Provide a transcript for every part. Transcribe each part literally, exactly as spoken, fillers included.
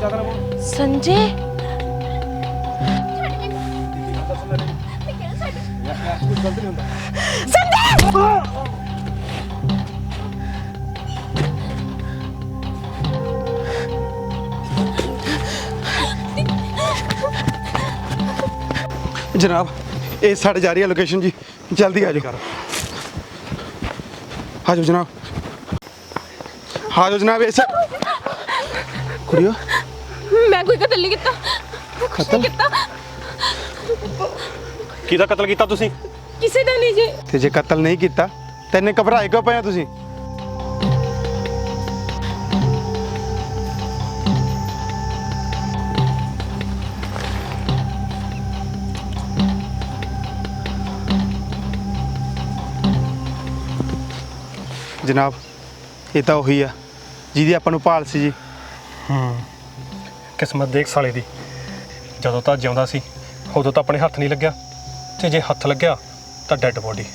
संजय जनाब ये साढ़े जा रही है लोकेशन जी, जल्दी आ जाओ। आ जाओ जनाब, आ जाओ जनाब। ऐसे कुड़ियो मैं कोई कतल नहीं किया। कतल किहदा कतल कीता तुसीं? किसी का नहीं जी। ते जे कतल नहीं किया तैने घबराए क्यों पे तुसीं? जनाब ये तो उही आ जिहदी आपां नूं भाल सी जी। किस्मत देख साले दी, ਜਦੋਂ ਤਾਂ ਜਿਉਂਦਾ ਸੀ ਉਦੋਂ ਤਾਂ ਆਪਣੇ ਹੱਥ ਨਹੀਂ ਲੱਗਿਆ, ਤੇ ਜੇ ਹੱਥ ਲੱਗਿਆ ਤਾਂ ਡੈੱਡ ਬੋਡੀ।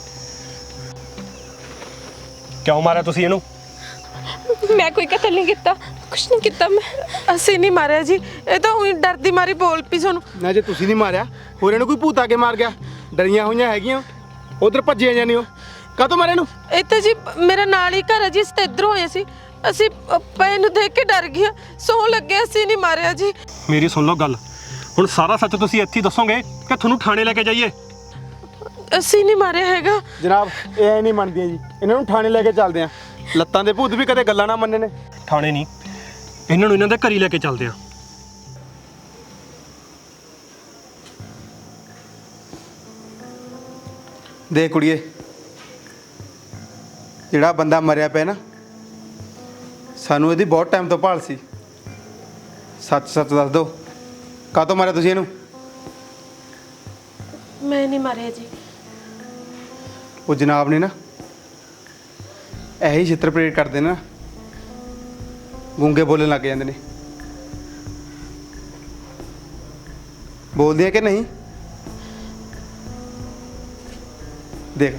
ਕਿਉਂ ਮਾਰਿਆ ਤੁਸੀਂ ਇਹਨੂੰ? मैं कोई कतल नहीं किया, कुछ नहीं किया मैं। ਅਸੀਂ नहीं मारिया जी, ये तो ਉਹੀ ਡਰਦੀ ਮਾਰੀ ਬੋਲ ਪਈ ਸਾਨੂੰ। ना जे तुसीं नहीं मारिया होर इहनूं कोई भूत आके मार गया? डरियां होईयां हैगियां उधर भज्जियां जानी हो काहतों मारे इहनूं? ਇਹ ਤਾਂ ਜੀ ਮੇਰਾ ਨਾਲ ਹੀ ਘਰ ਹੈ ਜੀ, ਅਸੀਂ ਤਾਂ ਇੱਧਰੋਂ ਹੋਏ ਸੀ। ਅਸੀਂ ਪਏ ਨੂੰ ਦੇਖ ਕੇ ਡਰ ਗਏ, ਸੌਂ ਲੱਗੇ, ਅਸੀਂ ਨਹੀਂ ਮਾਰਿਆ ਜੀ। ਮੇਰੀ ਸੁਣ ਲਓ ਗੱਲ, ਹੁਣ ਸਾਰਾ ਸੱਚ ਤੁਸੀਂ ਇੱਥੇ ਹੀ ਦੱਸੋਗੇ ਕਿ ਤੁਹਾਨੂੰ ਥਾਣੇ ਲੈ ਕੇ ਜਾਈਏ? ਅਸੀਂ ਨਹੀਂ ਮਾਰਿਆ ਹੈਗਾ जनाब ये ऐ नहीं मनदियां जी, इन्हां नूं थाणे लैके चलदे आ। लत्तां दे भूत भी कदे गल्लां ना मन्ने ने। ਥਾਣੇ ਨਹੀਂ, ਇਹਨਾਂ ਨੂੰ ਇਹਨਾਂ ਦੇ ਘਰ ਹੀ ਲੈ ਕੇ ਚੱਲਦੇ ਆ। देख कुड़िए जिहड़ा बंदा मरिया पिया ना, सानू इहदी बहुत टाइम तो भाल सी। सच सच दस दो काहतों मारिया तुसीं इहनूं? मैं नहीं मारिया जी। वो जनाब ने ना यही छित्र परेड करते ना, गूंगे बोलने लग जाते ने। बोलते हैं कि नहीं? देख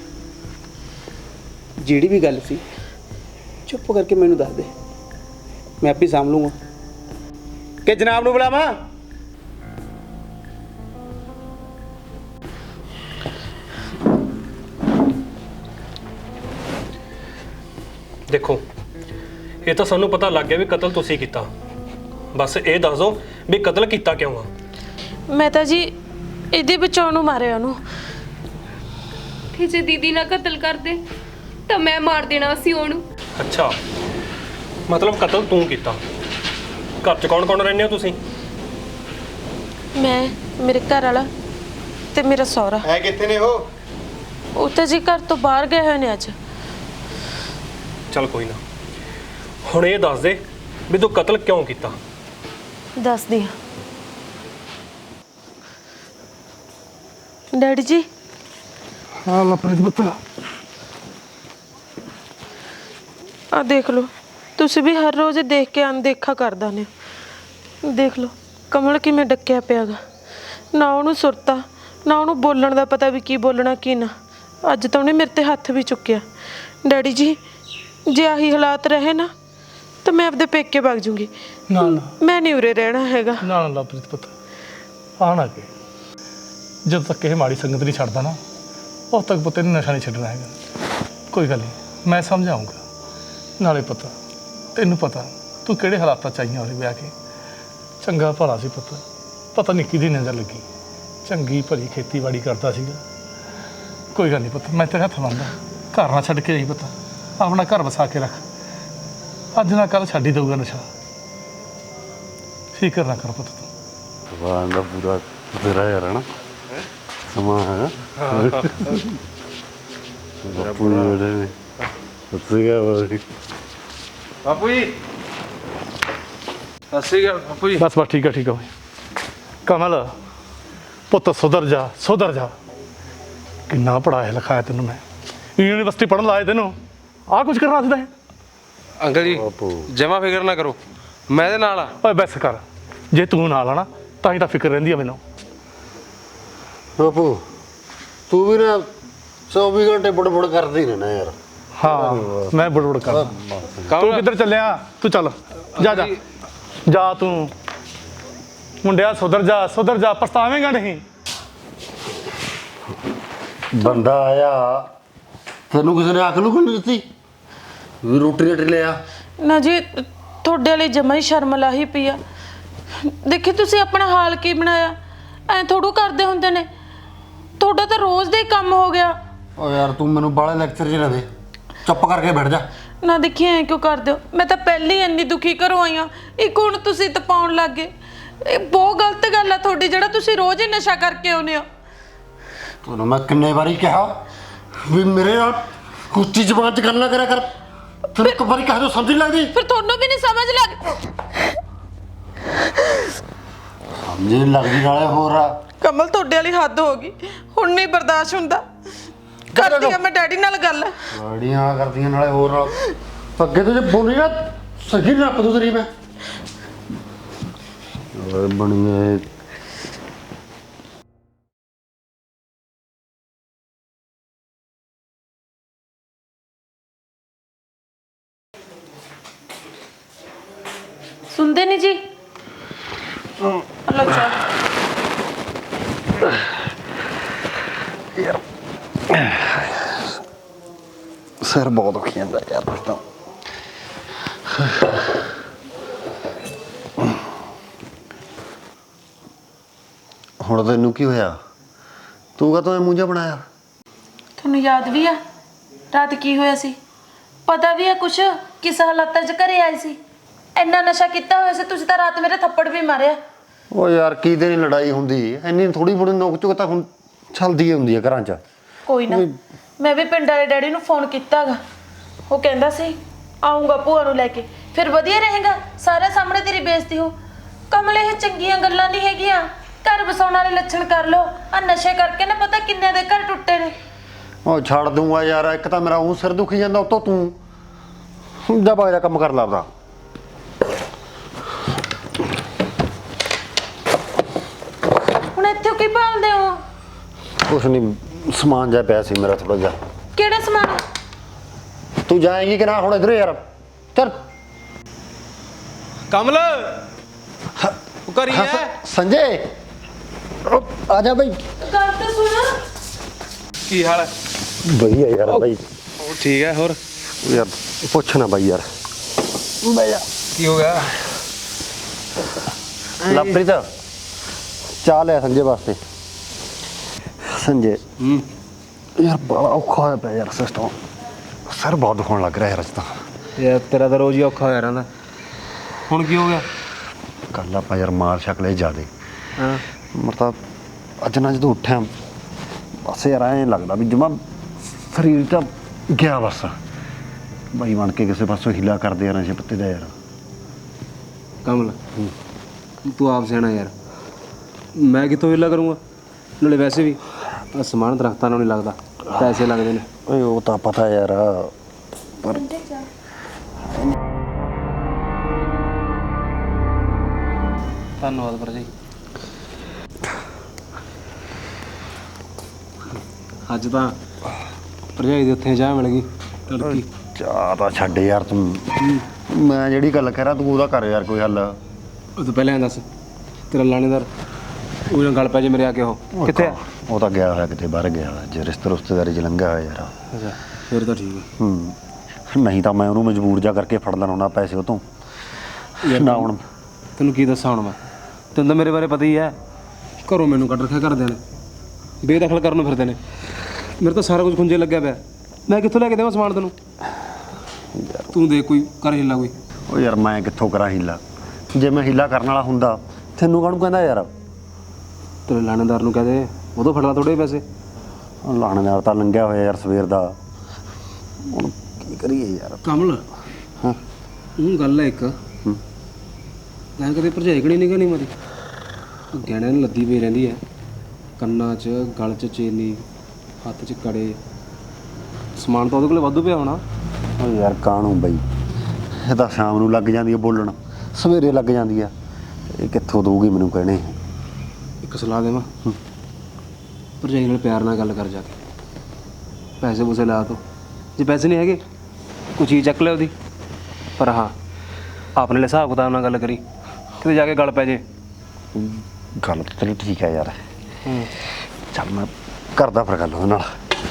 जिहड़ी भी गल सी चुप करके मैनू दस दे, मैं आपे साम लूँगा। कि जनाब नू बुलावां? ਦੇਖੋ ਇਹ ਤਾਂ ਸਾਨੂੰ ਪਤਾ ਲੱਗ ਗਿਆ ਵੀ ਕਤਲ ਤੁਸੀਂ ਕੀਤਾ, ਬਸ ਇਹ ਦੱਸ ਦਿਓ ਵੀ ਕਤਲ ਕੀਤਾ ਕਿਉਂ ਆ? मैं तो जी ਇਹਦੇ ਬਚਾਉਣ ਨੂੰ ਮਾਰਿਆ ਉਹਨੂੰ। ਤੇ ਜੇ ਦੀਦੀ ਨਾ ਕਤਲ ਕਰਦੇ ਤਾਂ ਮੈਂ ਮਾਰ ਦੇਣਾ ਸੀ ਉਹਨੂੰ। ਅੱਛਾ, ਮਤਲਬ ਕਤਲ ਤੂੰ ਕੀਤਾ। ਘਰ 'ਚ ਕੌਣ ਕੌਣ ਰਹਿੰਦੇ ਹੋ ਤੁਸੀਂ? मैं मेरे घर वाला ਤੇ ਮੇਰਾ ਸਹੁਰਾ। है कित्थे ने हो? ਉਹ ਤਾਂ ਜੀ ਘਰ ਤੋਂ ਬਾਹਰ ਗਏ ਹੋਏ ਨੇ ਅੱਜ। ਚੱਲ ਕੋਈ ਨਾ, ਹੁਣ ਇਹ ਦੱਸ ਦੇ ਵੀ ਤੂੰ ਕਤਲ ਕਿਉਂ ਕੀਤਾ? ਦੱਸਦੀ ਹਾਂ ਡੈਡੀ ਜੀ। हाँ लपरेट बता। ਆ ਦੇਖ ਲਓ, ਤੁਸੀਂ ਵੀ ਹਰ ਰੋਜ਼ ਦੇਖ ਕੇ ਅਣਦੇਖਾ ਕਰਦਾ ਨੇ। ਦੇਖ ਲਓ ਕਮਲ ਕਿਵੇਂ ਡੱਕਿਆ ਪਿਆਗਾ, ਨਾ ਉਹਨੂੰ ਸੁਰਤਾ ਨਾ ਉਹਨੂੰ ਬੋਲਣ ਦਾ ਪਤਾ ਵੀ ਕੀ ਬੋਲਣਾ ਕੀ ਨਾ। ਅੱਜ ਤਾਂ ਉਹਨੇ ਮੇਰੇ ਤੇ ਹੱਥ ਵੀ ਚੁੱਕਿਆ। ਡੈਡੀ ਜੀ ਜੇ ਆਹੀ ਹਾਲਾਤ ਰਹੇ ਨਾ ਤਾਂ ਮੈਂ ਆਪਦੇ ਪੇਕੇ ਵਗ ਜੂੰਗੀ। ਨਾ ਨਾ ਮੈਂ ਨਹੀਂ ਉਰੇ ਰਹਿਣਾ ਹੈਗਾ। ਨਾ ਨਾ ਲਵਪ੍ਰੀਤ ਪੁੱਤ, ਆ ਨਾ ਕੇ ਜਦੋਂ ਤੱਕ ਇਹ ਮਾੜੀ ਸੰਗਤ ਨਹੀਂ ਛੱਡਦਾ ਨਾ, ਉਦੋਂ ਤੱਕ ਪੁੱਤ ਇਹਨੂੰ ਨਸ਼ਾ ਨਹੀਂ ਛੱਡਣਾ ਹੈਗਾ। ਕੋਈ ਗੱਲ ਨਹੀਂ, ਮੈਂ ਸਮਝਾਊਂਗਾ। ਨਾਲੇ ਪਤਾ ਤੈਨੂੰ ਪਤਾ ਤੂੰ ਕਿਹੜੇ ਹਾਲਾਤਾਂ 'ਚ ਆਈਆਂ ਉਹਦੇ ਵਿਆਹ ਕੇ। ਚੰਗਾ ਭਲਾ ਸੀ ਪੁੱਤ, ਪਤਾ ਨਹੀਂ ਕਿਹਦੀ ਨਜ਼ਰ ਲੱਗੀ, ਚੰਗੀ ਭਲੀ ਖੇਤੀਬਾੜੀ ਕਰਦਾ ਸੀਗਾ। ਕੋਈ ਗੱਲ ਨਹੀਂ ਪੁੱਤ, ਮੈਂ ਤੇਰੇ ਹੱਥ ਮੰਨਦਾ। ਘਰ ਨਾ ਛੱਡ ਕੇ ਆਈ ਪੁੱਤ, ਆਪਣਾ ਘਰ ਵਸਾ ਕੇ ਰੱਖ। ਅੱਜ ਨਾ ਕੱਲ੍ਹ ਛੱਡ ਹੀ ਦਊਗਾ ਨਸ਼ਾ, ਫਿਕਰ ਨਾ ਕਰ ਪੁੱਤ ਤੂੰ। ਭਗਵਾਨ ਦਾ ਪੂਰਾ ਤੇਰਾ ਯਾਰ ਹੈ ਨਾ ਸਮਾਂ ਹੈ। ਬਾਪੂ ਜੀ ਬੜੇ ਨੇ ਸੱਚੀ ਗੱਲ ਬਾਪੂ ਜੀ। ਸਤਿ ਸ਼੍ਰੀ ਅਕਾਲ ਬਾਪੂ ਜੀ। ਬਸ ਬਸ ਠੀਕ ਆ ਠੀਕ ਆ ਕਮਲ ਪੁੱਤ, ਸੁਧਰ ਜਾ ਸੁਧਰ ਜਾ। ਕਿੰਨਾ ਪੜਾਇਆ ਲਿਖਾਇਆ ਤੈਨੂੰ ਮੈਂ, ਯੂਨੀਵਰਸਿਟੀ ਪੜ੍ਹਨ ਲਾਇਆ ਤੈਨੂੰ, ਆਹ ਕੁਝ ਕਰਨਾ ਸਿੱਧਾ ਹੈ। ਅੰਕਲ ਜੀ ਜਮਾ ਫਿਕਰ ਨਾ ਕਰੋ, ਮੈਂ ਇਹਦੇ ਨਾਲ ਆ। ਓਏ ਬਸ ਕਰ, ਜੇ ਤੂੰ ਨਾਲ ਆਣਾ ਤਾਂ ਹੀ ਤਾਂ ਫਿਕਰ ਰਹਿੰਦੀ ਆ ਮੈਨੂੰ। ਬਾਪੂ ਤੂੰ ਵੀ ਨਾ ਚੌਵੀ ਘੰਟੇ ਬੜਬੜ ਕਰਦੀ ਰਹਿਣਾ ਯਾਰ। ਹਾਂ ਮੈਂ ਬੜਬੜ ਕਰਦਾ। ਤੂੰ ਕਿੱਧਰ ਚੱਲਿਆ? ਤੂੰ ਚੱਲ ਜਾ ਜਾ ਜਾ ਤੂੰ ਮੁੰਡਿਆ, ਸੁਧਰ ਜਾ ਸੁਧਰ ਜਾ, ਪਛਤਾਵੇਂਗਾ ਨਹੀਂ। ਬੰਦਾ ਆਇਆ, ਤੈਨੂੰ ਕਿਸੇ ਨੇ ਅਕਲ ਨਹੀਂ ਦਿੱਤੀ ਵੀ ਰੋਟੀ ਰੇਟ ਲਿਆ? ਨਾ ਜੀ, ਤੁਹਾਡੇ ਵਾਲੀ ਜਮਾਂ ਹੀ ਸ਼ਰਮ ਲਾਹੀ ਪਈ ਆ। ਦੇਖੀ ਤੁਸੀਂ ਆਪਣਾ ਹਾਲ ਕੀ ਬਣਾਇਆ, ਐ ਥੋੜੂ ਕਰਦੇ ਹੁੰਦੇ ਨੇ। ਤੁਹਾਡਾ ਤਾਂ ਰੋਜ਼ ਦਾ ਹੀ ਕੰਮ ਹੋ ਗਿਆ। ਓ ਯਾਰ ਤੂੰ ਮੈਨੂੰ ਬਾਹਲੇ ਲੈਕਚਰ ਜਿਹੇ ਨਾ ਦੇ, ਚੁੱਪ ਕਰਕੇ ਬੈਠ ਜਾ। ਨਾ ਦੇਖੀ ਐ ਕਿਉਂ ਕਰਦੇ ਹੋ? ਮੈਂ ਤਾਂ ਪਹਿਲਾਂ ਹੀ ਇੰਨੀ ਦੁਖੀ ਘਰੋਂ ਆਈ ਆ, ਇੱਕ ਹੁਣ ਤੁਸੀਂ ਤਪਾਉਣ ਲੱਗ ਗਏ। ਇਹ ਬਹੁਤ ਗਲਤ ਗੱਲ ਆ ਤੁਹਾਡੀ, ਜਿਹੜਾ ਤੁਸੀਂ ਰੋਜ਼ ਹੀ ਨਸ਼ਾ ਕਰਕੇ ਆਉਂਦੇ ਹੋ। ਤੁਹਾਨੂੰ ਮੈਂ ਕਿੰਨੇ ਵਾਰੀ ਕਿਹਾ ਵੀ ਮੇਰੇ ਨਾਲ ਕੁੱਤੀ ਜ਼ਬਾਨ 'ਚ ਗੱਲ ਨਾ ਕਰਿਆ ਕਰ। ਤੈਨੂੰ ਇੱਕ ਵਾਰੀ ਕਹਿ ਦੋ ਸਮਝ ਨਹੀਂ ਲੱਗਦੀ? ਫਿਰ ਤੁਹਾਨੂੰ ਵੀ ਨਹੀਂ ਸਮਝ ਲੱਗ ਸਮਝ ਨਹੀਂ ਲੱਗਦੀ ਨਾਲੇ ਹੋਰ ਆ। ਕਮਲ, ਤੁਹਾਡੇ ਵਾਲੀ ਹੱਦ ਹੋ ਗਈ, ਹੁਣ ਨਹੀਂ ਬਰਦਾਸ਼ਤ ਹੁੰਦਾ। ਕਰਦੀ ਆ ਮੈਂ ਡੈਡੀ ਨਾਲ ਗੱਲ। ਗਾੜੀਆਂ ਕਰਦੀਆਂ ਨਾਲੇ ਹੋਰ ਨਾਲ। ਅੱਗੇ ਤੋਂ ਜੇ ਬੋਲੀ ਨਾ ਸਹੀ ਨਾ ਪਦੂ ਤੇਰੀ ਮੈਂ ਓਏ ਬਣੀਏ। ਸੁਣਦੇ ਨਹੀਂ ਜੀ? ਹਲੋ ਚਾਹ। ਸਿਰ ਬਹੁਤ ਦੁਖੀ ਜਾਂਦਾ ਯਾਰ ਤਾਂ। ਹੁਣ ਤੈਨੂੰ ਕੀ ਹੋਇਆ? ਤੂੰ ਕਾ ਮੂੰਹ ਜਿਹਾ ਬਣਾਇਆ? ਤੁਹਾਨੂੰ ਯਾਦ ਵੀ ਆ ਰਾਤ ਕੀ ਹੋਇਆ ਸੀ? ਪਤਾ ਵੀ ਆ ਕੁਛ ਕਿਸ ਹਾਲਾਤਾਂ 'ਚ ਘਰੇ ਆਏ ਸੀ? ਇੰਨਾ ਨਸ਼ਾ ਕੀਤਾ ਹੋਇਆ ਸੀ ਤੁਸੀਂ ਤਾਂ ਰਾਤ ਮੇਰੇ ਥੱਪੜ ਵੀ ਮਾਰਿਆ। ਓ ਯਾਰ ਕਿਹਦੇ ਨਹੀਂ ਲੜਾਈ ਹੁੰਦੀ, ਇੰਨੀ ਥੋੜੀ ਥੋੜੀ ਨੋਕ ਝੋਕ ਤਾਂ ਹੁਣ ਚੱਲਦੀ ਹੁੰਦੀ ਹੈ ਘਰਾਂ 'ਚ। ਕੋਈ ਨਾ, ਮੈਂ ਵੀ ਪਿੰਡ ਵਾਲੇ ਡੈਡੀ ਨੂੰ ਫੋਨ ਕੀਤਾਗਾ। ਉਹ ਕਹਿੰਦਾ ਸੀ ਆਉਂਗਾ ਭੂਆ ਨੂੰ ਲੈ ਕੇ, ਫਿਰ ਵਧੀਆ ਰਹੇਗਾ, ਸਾਰੇ ਸਾਹਮਣੇ ਤੇਰੀ ਬੇਇੱਜ਼ਤੀ ਹੋ। ਕਮਲ, ਇਹ ਚੰਗੀਆਂ ਗੱਲਾਂ ਨਹੀਂ ਹੈਗੀਆਂ। ਘਰ ਵਸਾਉਣ ਵਾਲੇ ਲੱਛਣ ਕਰ ਲੋ। ਆ ਨਸ਼ੇ ਕਰਕੇ ਨਾ ਪਤਾ ਕਿੰਨੇ ਦੇ ਘਰ ਟੁੱਟੇ ਨੇ। ਉਹ ਛੱਡ ਦੂੰਗਾ ਯਾਰ, ਇੱਕ ਤਾਂ ਮੇਰਾ ਉਹ ਸਿਰ ਦੁਖੀ ਜਾਂਦਾ, ਉਤੋਂ ਤੂੰ ਜਾ ਬਾਹਰ ਕੰਮ ਕਰ ਲੱਭਦਾ। ਹੁਣ ਇੱਥੇ ਕੀ ਭਾਲਦੇ ਹੋ? ਕੁਛ ਨਹੀਂ, ਸਮਾਨ ਜਾ ਪਿਆ ਸੀ ਮੇਰਾ ਥੋੜਾ ਜਿਹਾ। ਕਿਹੜਾ ਸਮਾਨ? ਤੂੰ ਜਾਏਂਗੀ ਕਿ ਨਾ ਹੁਣ ਇਧਰ ਯਾਰ? ਚੱਲ। ਕਮਲ ਉਹ ਕਰੀ ਹਾਂ, ਹੈ ਸੰਜੇ ਉਹ ਆ ਜਾ ਬਈ। ਗੱਲ ਤਾਂ ਸੁਣ। ਕੀ ਹਾਲ ਹੈ? ਵਧੀਆ ਯਾਰ ਬਾਈ। ਉਹ ਠੀਕ ਹੈ। ਹੋਰ ਯਾਰ ਪੁੱਛ ਨਾ ਬਾਈ ਯਾਰ। ਬਈਆ ਕੀ ਹੋ ਗਿਆ? ਲਵਪ੍ਰੀਤ ਚਾਹ ਲਿਆ ਸੰਜੇ ਵਾਸਤੇ। ਸੰਜੇ ਹੂੰ ਯਾਰ ਬੜਾ ਔਖਾ ਹੋਇਆ ਪਿਆ ਯਾਰ ਸਿਸਟਮ। ਸਿਰ ਬਹੁਤ ਦੁਖਣ ਲੱਗ ਰਿਹਾ ਯਾਰ ਅੱਜ ਤਾਂ। ਯਾਰ ਤੇਰਾ ਤਾਂ ਰੋਜ਼ ਹੀ ਔਖਾ ਹੋਇਆ ਰਹਿੰਦਾ। ਹੁਣ ਕੀ ਹੋ ਗਿਆ? ਕੱਲ ਆਪਾਂ ਯਾਰ ਮਾਰ ਸ਼ਕਲੇ ਜ਼ਿਆਦੇ। ਹਾਂ ਮਤਲਬ ਅੱਜ ਨਾ ਜਦੋਂ ਉੱਠਿਆ ਬਸ ਯਾਰ ਐਂ ਲੱਗਦਾ ਵੀ ਜਮਾ ਸਰੀਰ ਤਾਂ ਗਿਆ ਬਸ। ਬਾਈ ਬਣ ਕੇ ਕਿਸੇ ਪਾਸੋਂ ਹੀਲਾ ਕਰਦੇ ਆ ਨਸ਼ੇ ਪੱਤੇ ਦਾ ਯਾਰ। ਕਮਲ ਤੂੰ ਆਪ ਸਿਆਣਾ ਯਾਰ, ਮੈਂ ਕਿੱਥੋਂ ਹਿੱਲਾ ਕਰੂੰਗਾ? ਨਾਲੇ ਵੈਸੇ ਵੀ ਆਹ ਸਮਾਨ ਦਰਖਤਾਂ ਨਾਲ ਨਹੀਂ ਲੱਗਦਾ, ਪੈਸੇ ਲੱਗਦੇ ਨੇ। ਓਏ ਉਹ ਤਾਂ ਪਤਾ ਯਾਰ, ਪਰ ਧੰਨਵਾਦ ਭਰਜਾਈ। ਅੱਜ ਤਾਂ ਭਰਜਾਈ ਦੇ ਉੱਥੇ ਚਾਹ ਮਿਲ ਗਈ ਤੜਕੀ। ਚਾਹ ਤਾਂ ਛੱਡ ਯਾਰ ਤੂੰ। ਮੈਂ ਜਿਹੜੀ ਗੱਲ ਕਹਿ ਰਿਹਾ ਤੂੰ ਉਹਦਾ ਕਰ ਯਾਰ ਕੋਈ ਹੱਲ। ਉਹ ਤੋਂ ਪਹਿਲਾਂ ਐਂ ਦੱਸ, ਤੇਰਾ ਲਾਣੇਦਾਰ ਉਹ ਨਾਲ ਗੱਲ ਪੈ ਜੇ ਮੇਰੇ ਆ ਕੇ ਉਹ ਕਿੱਥੇ ਆ? ਉਹ ਤਾਂ ਗਿਆ ਹੋਇਆ ਕਿਤੇ ਬਾਹਰ ਗਿਆ ਹੋਇਆ, ਜੇ ਰਿਸ਼ਤੇ ਰਿਸ਼ਤੇਦਾਰੀ 'ਚ ਲੰਘਿਆ ਹੋਇਆ ਯਾਰ। ਅੱਛਾ ਫਿਰ ਤਾਂ ਠੀਕ ਹੈ। ਹੂੰ ਨਹੀਂ ਤਾਂ ਮੈਂ ਉਹਨੂੰ ਮਜਬੂਰ ਜਾ ਕਰਕੇ ਫੜ ਲੈਣਾ ਪੈਸੇ ਉਹ ਤੋਂ ਨਾ। ਹੁਣ ਤੈਨੂੰ ਕੀ ਦੱਸਾਂ ਹੁਣ ਮੈਂ, ਤੈਨੂੰ ਤਾਂ ਮੇਰੇ ਬਾਰੇ ਪਤਾ ਹੀ ਹੈ। ਘਰੋਂ ਮੈਨੂੰ ਕੱਢ ਰੱਖਿਆ ਘਰਦਿਆਂ ਨੇ, ਬੇਦਖਲ ਕਰਨ ਨੂੰ ਫਿਰਦੇ ਨੇ। ਮੇਰੇ ਤਾਂ ਸਾਰਾ ਕੁਝ ਖੁੰਝੇ ਲੱਗਿਆ ਪਿਆ, ਮੈਂ ਕਿੱਥੋਂ ਲੈ ਕੇ ਦੇਵਾਂ ਸਮਾਨ ਤੈਨੂੰ? ਤੂੰ ਦੇ ਕੋਈ ਕਰ ਹਿੱਲਾ ਕੋਈ। ਉਹ ਯਾਰ ਮੈਂ ਕਿੱਥੋਂ ਕਰਾਂ ਹੀਲਾ? ਜੇ ਮੈਂ ਹੀਲਾ ਕਰਨ ਵਾਲਾ ਹੁੰਦਾ ਤੈਨੂੰ ਕਾਹਨੂੰ ਕਹਿੰਦਾ ਯਾਰ? ਤੇਰੇ ਲਾਣੇਦਾਰ ਨੂੰ ਕਹਦੇ ਉਦੋਂ ਫੜ ਲਾ ਥੋੜੇ ਪੈਸੇ। ਉਹ ਲਾਣੇਦਾਰ ਤਾਂ ਲੰਘਿਆ ਹੋਇਆ ਯਾਰ ਸਵੇਰ ਦਾ, ਹੁਣ ਕੀ ਕਰੀਏ ਯਾਰ। ਕਮਲ ਹਾਂ ਉਹ ਗੱਲ ਹੈ ਇੱਕ, ਮੈਂ ਕਦੇ ਭਰਜਾਈ ਕਣੀ ਨਿਗਾਹ ਨਹੀਂ ਮਾਰੀ। ਗਹਿਣਿਆਂ ਨੂੰ ਲੱਦੀ ਪਈ ਰਹਿੰਦੀ ਹੈ, ਕੰਨਾਂ 'ਚ ਗਲ 'ਚ ਚੇਨੀ, ਹੱਥ 'ਚ ਕੜੇ। ਸਮਾਨ ਤਾਂ ਉਹਦੇ ਕੋਲ ਵਾਧੂ ਪਿਆ ਹੋਣਾ। ਉਹ ਯਾਰ ਕਾਹਨੂੰ ਬਈ, ਇਹ ਤਾਂ ਸ਼ਾਮ ਨੂੰ ਲੱਗ ਜਾਂਦੀ ਹੈ ਬੋਲਣ, ਸਵੇਰੇ ਲੱਗ ਜਾਂਦੀ ਆ। ਇਹ ਕਿੱਥੋਂ ਦਊਗੀ ਮੈਨੂੰ ਕਹਿਣੇ? ਇੱਕ ਸਲਾਹ ਦੇਵਾਂ, ਭਰਜਾਈ ਨਾਲ ਪਿਆਰ ਨਾਲ ਗੱਲ ਕਰ ਜਾ ਕੇ, ਪੈਸੇ ਪੂਸੇ ਲਾ ਤੋ। ਜੇ ਪੈਸੇ ਨਹੀਂ ਹੈਗੇ ਕੋਈ ਚੀਜ਼ ਚੱਕ ਲੈ ਉਹਦੀ, ਪਰ ਹਾਂ ਆਪਣੇ ਲਈ ਹਿਸਾਬ ਕਿਤਾਬ ਨਾਲ ਗੱਲ ਕਰੀ। ਕਿਤੇ ਜਾ ਕੇ ਗਲ ਪੈ ਜੇ। ਗੱਲ ਤਾਂ ਤੇਰੀ ਠੀਕ ਹੈ ਯਾਰ। ਹੂੰ ਚੱਲ ਮੈਂ ਕਰਦਾ ਫਿਰ ਗੱਲ ਉਹਦੇ ਨਾਲ।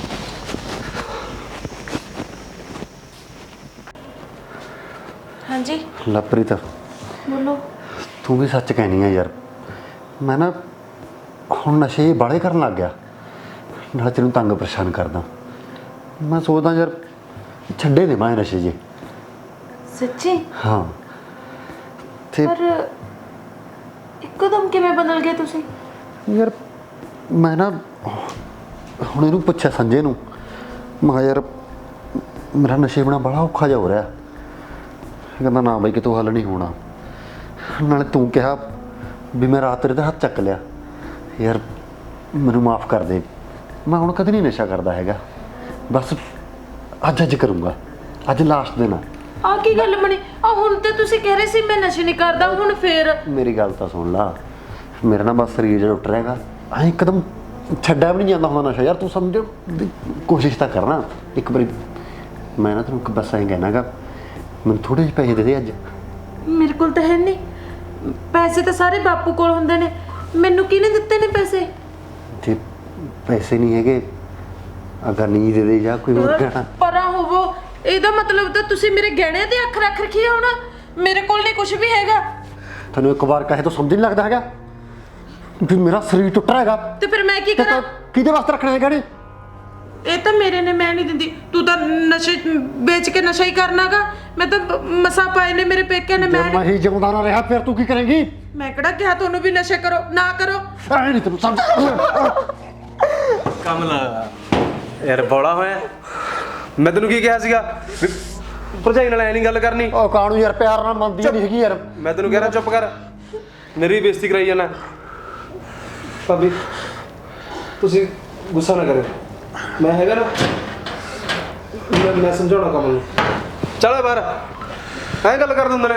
ਹਾਂਜੀ ਲਵਪ੍ਰੀਤ ਬੋਲੋ। ਤੂੰ ਵੀ ਸੱਚ ਕਹਿਣੀ ਆ ਯਾਰ। ਮੈਂ ਨਾ ਹੁਣ ਨਸ਼ੇ ਬਾਲੇ ਕਰਨ ਲੱਗ ਗਿਆ, ਨਾਲ ਤੈਨੂੰ ਤੰਗ ਪਰੇਸ਼ਾਨ ਕਰਦਾ। ਮੈਂ ਸੋਚਦਾ ਯਾਰ ਛੱਡੇ ਦੇ ਮੈਂ ਨਸ਼ੇ ਜੇ। ਸੱਚੀ? ਹਾਂ ਤੇ ਪਰ ਇੱਕਦਮ ਕਿਵੇਂ ਬਦਲ ਗਏ ਤੁਸੀਂ? ਯਾਰ ਮੈਂ ਨਾ ਹੁਣ ਇਹਨੂੰ ਪੁੱਛਿਆ ਸੰਜੇ ਨੂੰ, ਮੈਂ ਕਿਹਾ ਯਾਰ ਮੇਰਾ ਨਸ਼ੇ ਬਣਾ ਬੜਾ ਔਖਾ ਜਿਹਾ ਹੋ ਰਿਹਾ। ਕਹਿੰਦਾ ਨਾ ਬਾਈ ਕਿਤੋਂ ਹੱਲ ਨਹੀਂ ਹੋਣਾ। ਨਾਲੇ ਤੂੰ ਕਿਹਾ ਵੀ ਮੈਂ ਰਾਤ ਤੇਰੇ ਦਾ ਹੱਥ ਚੱਕ ਲਿਆ। ਯਾਰ ਮੈਨੂੰ ਮਾਫ ਕਰ ਦੇ, ਮੈਂ ਹੁਣ ਕਦੇ ਨਹੀਂ ਨਸ਼ਾ ਕਰਦਾ ਹੈਗਾ। ਬਸ ਅੱਜ ਅੱਜ ਕਰੂੰਗਾ, ਅੱਜ ਲਾਸਟ ਦਿਨ ਆ। ਆ ਕੀ ਗੱਲ ਬਣੀ? ਆ ਹੁਣ ਤੇ ਤੁਸੀਂ ਕਹਿ ਰਹੇ ਸੀ ਮੈਂ ਨਸ਼ੇ ਨਹੀਂ ਕਰਦਾ, ਹੁਣ ਫੇਰ? ਮੇਰੀ ਗੱਲ ਤਾਂ ਸੁਣ ਲਾ, ਮੇਰਾ ਨਾ ਬਸ ਸਰੀਰ ਜਿਹੜਾ ਉੱਟ ਰਿਹਾਗਾ, ਐਂ ਇੱਕਦਮ ਛੱਡਿਆ ਵੀ ਨਹੀਂ ਜਾਂਦਾ ਹੁੰਦਾ ਨਸ਼ਾ। ਯਾਰ ਤੂੰ ਸਮਝ ਦੀ ਕੋਸ਼ਿਸ਼ ਤਾਂ ਕਰਨਾ ਇੱਕ ਵਾਰੀ। ਮੈਂ ਨਾ ਤੈਨੂੰ ਇੱਕ ਬਸ ਐਂ ਕਹਿਣਾਗਾ, ਮੈਨੂੰ ਥੋੜ੍ਹੇ ਜਿਹੇ ਪੈਸੇ ਦੇ ਦੇ ਅੱਜ। ਮੇਰੇ ਕੋਲ ਤਾਂ ਹੈ ਨਹੀਂ ਪੈਸੇ, ਤਾਂ ਸਾਰੇ ਬਾਪੂ ਕੋਲ ਹੁੰਦੇ ਨੇ। ਮੈਨੂੰ ਕਿਹਨੇ ਦਿੱਤੇ ਨੇ ਪੈਸੇ? ਜੇ ਪੈਸੇ ਨਹੀਂ ਹੈਗੇ ਅਗਰ ਨਹੀਂ ਦੇ ਦੇ ਜਾਂ ਕੋਈ ਹੋਰ ਕਹਿਣਾ। ਪਰਾਂ ਹੋਵੋ, ਇਹਦਾ ਮਤਲਬ ਤਾਂ ਤੁਸੀਂ ਮੇਰੇ ਗਹਿਣਿਆਂ ਤੇ ਅੱਖ ਰੱਖ ਰੱਖੀ ਆ। ਹੁਣ ਮੇਰੇ ਕੋਲ ਨਹੀਂ ਕੁਝ ਵੀ ਹੈਗਾ। ਤੈਨੂੰ ਇੱਕ ਵਾਰ ਕਹੇ ਤਾਂ ਸਮਝ ਨਹੀਂ ਲੱਗਦਾ ਹੈਗਾ ਵੀ ਮੇਰਾ ਸਰੀਰ ਟੁੱਟ ਰਿਹਾ ਹੈਗਾ। ਤੇ ਫਿਰ ਮੈਂ ਕੀ ਕਰਾਂ? ਕਿਹਦੇ ਵਾਸਤੇ ਰੱਖਣੇ ਹੈਗੇ ਨੇ? ਇਹ ਤਾਂ ਮੇਰੇ ਨੇ, ਮੈਂ ਨਹੀਂ ਦਿੰਦੀ। ਤੂੰ ਤਾਂ ਨਸ਼ੇ ਵੇਚ ਕੇ ਨਸ਼ਾ ਹੀ ਕਰਨਾਗਾ। ਮੈਂ ਤਾਂ ਮਸਾ ਪਾਏ ਨੇ ਮੇਰੇ ਪੇਕਿਆਂ ਨੇ। ਮੈਂ ਮੈਂ ਹੀ ਜਿਉਂਦਾ ਨਾ ਰਿਹਾ ਫਿਰ ਤੂੰ ਕੀ ਕਰੇਂਗੀ? ਮੈਂ ਕਿਹੜਾ ਕਿਹਾ ਤੁਹਾਨੂੰ ਵੀ ਨਸ਼ੇ ਕਰੋ ਨਾ ਕਰੋ? ਐ ਨਹੀਂ ਤੈਨੂੰ ਸਮਝ। ਕਮਲਾ ਯਾਰ ਬੋਲਾ ਹੋਇਆ। ਮੈਂ ਤੈਨੂੰ ਕੀ ਕਿਹਾ ਸੀਗਾ ਵੀ ਭਰਜਾਈ ਨਾਲ ਐ ਨਹੀਂ ਗੱਲ ਕਰਨੀ। ਉਹ ਕਾਣੂ ਯਾਰ ਪਿਆਰ ਨਾਲ ਮੰਨਦੀ ਨਹੀਂ ਹੈਗੀ ਯਾਰ। ਮੈਂ ਤੈਨੂੰ ਕਹਿ ਰਿਹਾ ਚੁੱਪ ਕਰ, ਮੇਰੀ ਬੇਇੱਜ਼ਤੀ ਕਰਾਈ ਜਾਣਾ। ਭਾਬੀ ਤੁਸੀਂ ਗੁੱਸਾ ਨਾ ਕਰਿਓ, ਮੈਂ ਹੈਗਾ ਨਾ, ਮੈਂ ਮੈਂ ਸਮਝਾਉਣਾ ਕਮਲ ਨੂੰ। ਚੱਲ ਬਾਹਰ, ਐਂ ਗੱਲ ਕਰ ਦਿੰਦੇ ਨੇ।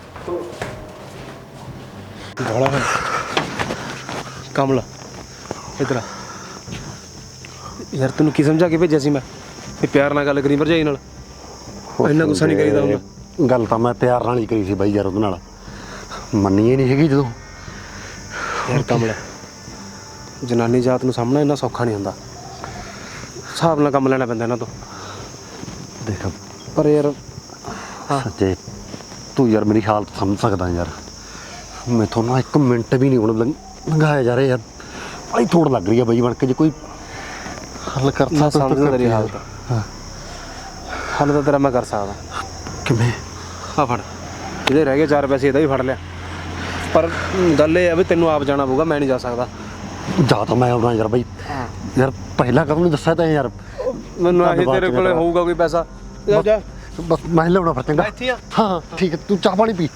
ਬੋਲਾ ਹੋਇਆ ਕਮਲ ਇੱਧਰ ਆ। ਯਾਰ ਤੈਨੂੰ ਕੀ ਸਮਝਾ ਕੇ ਭੇਜਿਆ ਸੀ ਮੈਂ ਵੀ ਪਿਆਰ ਨਾਲ ਗੱਲ ਕਰੀ ਭਰਜਾਈ ਨਾਲ? ਇੰਨਾ ਗੁੱਸਾ ਨਹੀਂ ਕਰੀਦਾ ਹੁੰਦਾ। ਗੱਲ ਤਾਂ ਮੈਂ ਪਿਆਰ ਨਾਲ ਹੀ ਕਰੀ ਸੀ ਬਾਈ ਯਾਰ, ਉਹਦੇ ਨਾਲ ਮੰਨੀ ਹੀ ਨਹੀਂ ਹੈਗੀ। ਜਦੋਂ ਯਾਰ ਕਮਲ, ਜਨਾਨੀ ਜਾਤ ਨੂੰ ਸਾਹਮਣਾ ਇੰਨਾ ਸੌਖਾ ਨਹੀਂ ਹੁੰਦਾ। ਹਿਸਾਬ ਨਾਲ ਕੰਮ ਲੈਣਾ ਪੈਂਦਾ ਇਹਨਾਂ ਤੋਂ। ਦੇਖ ਪਰ ਯਾਰ ਸੱਚੇ ਤੂੰ ਯਾਰ ਮੇਰੀ ਹਾਲਤ ਸਮਝ ਸਕਦਾ ਯਾਰ। ਮੈਥੋਂ ਨਾ ਇੱਕ ਮਿੰਟ ਵੀ ਨਹੀਂ ਹੁਣ ਲੰਘਾਇਆ ਜਾ ਰਿਹਾ ਯਾਰ। ਬੜੀ ਥੋੜ ਲੱਗ ਰਹੀ ਆ ਬਾਈ ਬਣ ਕੇ। ਜੇ ਕੋਈ ਹੱਲ ਕਰ ਮੈਂ ਸਕਦਾ ਸਮਝਦਾ ਤੇਰੀ ਹਾਲਤ। ਹਾਂ ਹੱਲ ਤਾਂ ਤੇਰਾ ਮੈਂ ਕਰ ਸਕਦਾ। ਕਿਵੇਂ? ਆ ਫੜ, ਇਹਦੇ ਰਹਿ ਗਏ ਚਾਰ ਪੈਸੇ, ਇਹਦਾ ਵੀ ਫੜ ਲਿਆ। ਪਰ ਗੱਲ ਇਹ ਆ ਵੀ ਤੈਨੂੰ ਆਪ ਜਾਣਾ ਪਊਗਾ, ਮੈਂ ਨਹੀਂ ਜਾ ਸਕਦਾ। ਜਾ ਤਾਂ ਮੈਂ ਆਉਣਾ ਯਾਰ ਬਾਈ। ਯਾਰ ਪਹਿਲਾਂ ਕਦੋਂ ਨਹੀਂ ਦੱਸਿਆ ਤਾਂ ਯਾਰ। ਮੈਨੂੰ ਆਹੀ ਤੇਰੇ ਕੋਲੇ ਹੋਊਗਾ ਕੋਈ ਪੈਸਾ। ਜਾ ਜਾ ਬਸ ਮੈਂ ਲਿਆਉਣਾ ਫਿਰ ਚੰਗਾ। ਇੱਥੇ ਆ। ਹਾਂ ਠੀਕ ਹੈ, ਤੂੰ ਚਾਹ ਪਾਣੀ ਪੀ।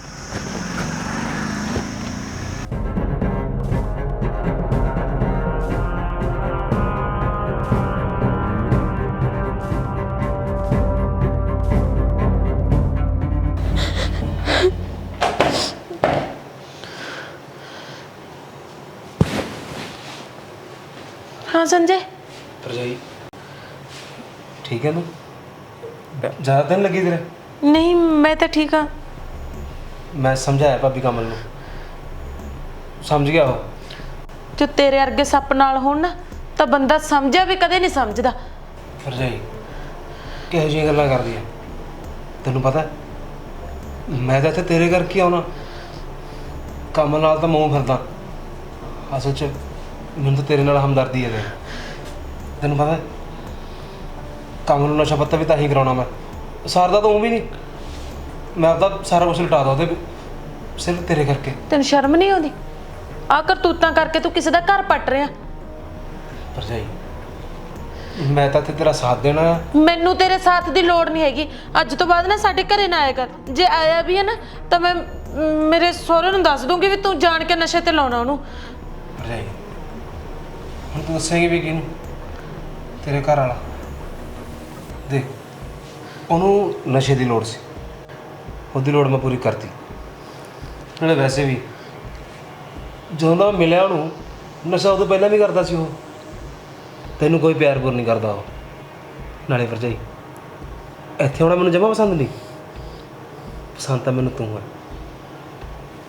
ਹਾਂ ਸੰਜੇ। ਭਰਜਾਈ ਠੀਕ ਹੈ ਤੂੰ? ਜ਼ਿਆਦਾ ਦਿਨ ਲੱਗੀ ਤੇਰੇ? ਨਹੀਂ ਮੈਂ ਤਾਂ ਠੀਕ ਆ। ਮੈਂ ਸਮਝਾਇਆ ਭਾਬੀ ਕਮਲ ਨੂੰ, ਸਮਝ ਗਿਆ ਉਹ। ਜੋ ਤੇਰੇ ਵਰਗੇ ਸੱਪ ਨਾਲ ਹੋਣ ਨਾ ਤਾਂ ਬੰਦਾ ਸਮਝਿਆ ਵੀ ਕਦੇ ਨਹੀਂ ਸਮਝਦਾ। ਭਰਜਾਈ ਕਿਹੋ ਜਿਹੀਆਂ ਗੱਲਾਂ ਕਰਦੀ ਹੈ? ਤੈਨੂੰ ਪਤਾ ਮੈਂ ਤਾਂ ਇੱਥੇ ਤੇਰੇ ਕਰਕੇ ਆਉਣਾ, ਕਮਲ ਨਾਲ ਤਾਂ ਮੂੰਹ ਫਿਰਦਾ। ਅਸਲ 'ਚ ਮੈਨੂੰ ਤਾਂ ਤੇਰੇ ਨਾਲ ਹਮਦਰਦੀ ਹੈ। ਤੈਨੂੰ ਪਤਾ ਕਮਲ ਨੂੰ ਨਸ਼ਾ ਪੱਤਾ ਵੀ ਤਾਂ ਹੀ ਕਰਾਉਣਾ ਮੈਂ। ਸਰਦਾ ਤਾਂ ਉਹ ਵੀ ਨਹੀਂ, ਮੈਂ ਆਪਦਾ ਸਾਰਾ ਕੁਛ ਲਟਾ ਦਾ ਉਹਦੇ ਸਿਰਫ ਤੇਰੇ ਕਰਕੇ। ਤੈਨੂੰ ਸ਼ਰਮ ਨਹੀਂ ਆਉਂਦੀ? ਆ ਕਰਤੂਤਾਂ ਕਰਕੇ ਤੂੰ ਕਿਸੇ ਦਾ ਘਰ ਪੱਟ ਰਿਹਾ। ਭਰਜਾਈ ਮੈਂ ਤਾਂ ਇੱਥੇ ਤੇਰਾ ਸਾਥ ਦੇਣਾ ਆ। ਮੈਨੂੰ ਤੇਰੇ ਸਾਥ ਦੀ ਲੋੜ ਨਹੀਂ ਹੈਗੀ। ਅੱਜ ਤੋਂ ਬਾਅਦ ਨਾ ਸਾਡੇ ਘਰੇ ਨਾ ਆਇਆ ਕਰ। ਜੇ ਆਇਆ ਵੀ ਹੈ ਨਾ ਤਾਂ ਮੈਂ ਮੇਰੇ ਸਹੁਰੇ ਨੂੰ ਦੱਸ ਦੂੰਗੀ ਵੀ ਤੂੰ ਜਾਣ ਕੇ ਨਸ਼ੇ ਤੇ ਲਾਉਣਾ ਉਹਨੂੰ। ਭਰਜਾਈ ਹੁਣ ਤੂੰ ਦੱਸੇਂਗੀ ਵੀ ਕਿਹਨੂੰ? ਤੇਰੇ ਘਰ ਵਾਲਾ ਦੇਖ, ਉਹਨੂੰ ਨਸ਼ੇ ਦੀ ਲੋੜ ਸੀ, ਉਹਦੀ ਲੋੜ ਮੈਂ ਪੂਰੀ ਕਰਤੀ। ਨਾਲੇ ਵੈਸੇ ਵੀ ਜਦੋਂ ਦਾ ਮਿਲਿਆ ਉਹਨੂੰ, ਨਸ਼ਾ ਉਦੋਂ ਪਹਿਲਾਂ ਵੀ ਕਰਦਾ ਸੀ ਉਹ। ਤੈਨੂੰ ਕੋਈ ਪਿਆਰ ਪੁਰ ਨਹੀਂ ਕਰਦਾ ਉਹ। ਨਾਲੇ ਭਰਜਾਈ ਇੱਥੇ ਆਉਣਾ ਮੈਨੂੰ ਜਮਾ ਪਸੰਦ ਨਹੀਂ। ਪਸੰਦ ਤਾਂ ਮੈਨੂੰ ਤੂੰ ਹੈ।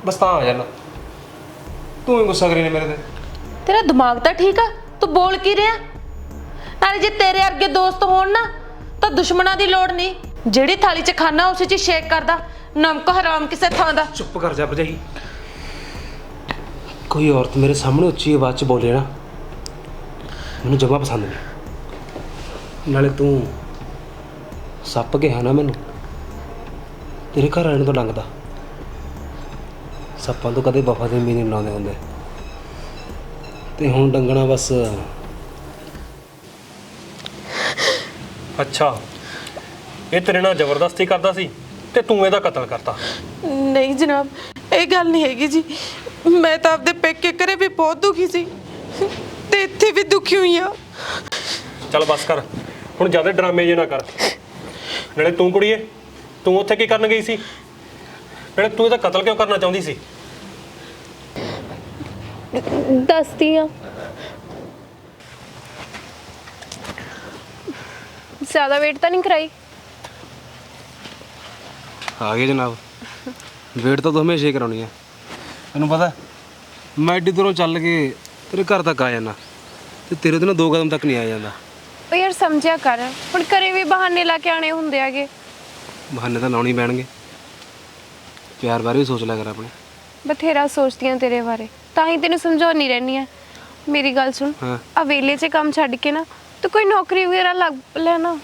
ਬਸ ਤਾਂ ਆ ਜਾਣਾ। ਤੂੰ ਹੀ ਗੁੱਸਾ ਕਰੀ ਨੇ ਮੇਰੇ ਤੇ। ਤੇਰਾ ਦਿਮਾਗ ਤਾਂ ਠੀਕ ਆ, ਤੂੰ ਬੋਲ ਕੀ ਰਿਹਾ? ਨਾਲੇ ਜੇ ਤੇਰੇ ਅੱਗੇ ਦੋਸਤ ਹੋਣ ਨਾ ਤਾਂ ਦੁਸ਼ਮਣਾਂ ਦੀ ਲੋੜ ਨਹੀਂ। ਜਿਹੜੀ ਥਾਲੀ 'ਚ ਖਾਣਾ ਉਸੇ 'ਚ ਹੀ ਸ਼ੇਕ ਕਰਦਾ, ਨਮਕ ਹਰਾਮ ਕਿਸੇ ਥਾਂ ਦਾ। ਚੁੱਪ ਕਰ ਜਾ ਭਰਜਾਈ। ਕੋਈ ਔਰਤ ਮੇਰੇ ਸਾਹਮਣੇ ਉੱਚੀ ਆਵਾਜ਼ 'ਚ ਬੋਲੇ ਨਾ, ਮੈਨੂੰ ਜਮਾ ਪਸੰਦ ਨਹੀਂ। ਨਾਲੇ ਤੂੰ ਸੱਪ ਗਿਆ ਨਾ ਮੈਨੂੰ, ਤੇਰੇ ਘਰ ਆਣ ਤੋਂ ਲੰਘਦਾ। ਸੱਪਾਂ ਤੋਂ ਕਦੇ ਵਫਾ ਦੇ ਮੀਨੇ ਬਣਾਉਂਦੇ ਹੁੰਦੇ, ਤੇ ਹੁਣ ਡੰਗਣਾ ਬਸ। ਅੱਛਾ, ਇਹ ਤੇਰੇ ਨਾਲ ਜ਼ਬਰਦਸਤੀ ਕਰਦਾ ਸੀ ਤੇ ਤੂੰ ਇਹਦਾ ਕਤਲ ਕਰਤਾ। ਨਹੀਂ ਜਨਾਬ, ਇਹ ਗੱਲ ਨਹੀਂ ਹੈਗੀ ਜੀ। ਮੈਂ ਤਾਂ ਆਪਦੇ ਪੇਕੇ ਘਰੇ ਵੀ ਬਹੁਤ ਦੁਖੀ ਸੀ ਤੇ ਇੱਥੇ ਵੀ ਦੁਖੀ ਹੋਈ ਆ। ਚੱਲ ਬਸ ਕਰ, ਹੁਣ ਜ਼ਿਆਦਾ ਡਰਾਮੇ ਜੇ ਨਾ ਕਰ। ਨਾਲੇ ਤੂੰ ਕੁੜੀਏ, ਤੂੰ ਉੱਥੇ ਕੀ ਕਰਨ ਗਈ ਸੀ? ਨਾਲੇ ਤੂੰ ਇਹਦਾ ਕਤਲ ਕਿਉਂ ਕਰਨਾ ਚਾਹੁੰਦੀ ਸੀ? ਦੱਸਦੀ ਆ। ਜ਼ਿਆਦਾ ਵੇਟ ਤਾਂ ਨਹੀਂ ਕਰਾਈ? ਆ ਗਏ ਜਨਾਬ। ਵੇਟ ਤਾਂ ਤੂੰ ਹਮੇਸ਼ਾ ਹੀ ਕਰਾਉਣੀ ਹੈ। ਤੈਨੂੰ ਪਤਾ ਮੈਂ ਐਡੀ ਦੂਰੋਂ ਚੱਲ ਕੇ ਤੇਰੇ ਘਰ ਤੱਕ ਆ ਜਾਣਾ, ਤੇ ਤੇਰੇ ਤੋਂ ਨਾ ਦੋ ਕਦਮ ਤੱਕ ਨਹੀਂ ਆ ਜਾਂਦਾ। ਉਹ ਯਾਰ ਸਮਝਿਆ ਕਰ, ਹੁਣ ਘਰੇ ਵੀ ਬਹਾਨੇ ਲਾ ਕੇ ਆਣੇ ਹੁੰਦੇ ਆਗੇ। ਬਹਾਨੇ ਤਾਂ ਲਾਉਣੀ ਪੈਣਗੇ। ਪਿਆਰ ਬਾਰੇ ਵੀ ਸੋਚ ਲਿਆ ਕਰ ਆਪਣੇ। ਬਥੇਰਾ ਸੋਚਦੀ ਆ ਤੇਰੇ ਬਾਰੇ, ਤਾਂ ਹੀ ਤੈਨੂੰ ਸਮਝਾਉਣੀ ਰਹਿੰਦੀ ਆ। ਮੇਰੀ ਗੱਲ ਸੁਣ, ਹਾਂ। ਆ ਵੇਲੇ 'ਚ ਕੰਮ ਛੱਡ ਕੇ ਨਾ ਤੂੰ ਕੋਈ ਨੌਕਰੀ ਵਗੈਰਾ ਲੱਗ ਲੈਣਾ।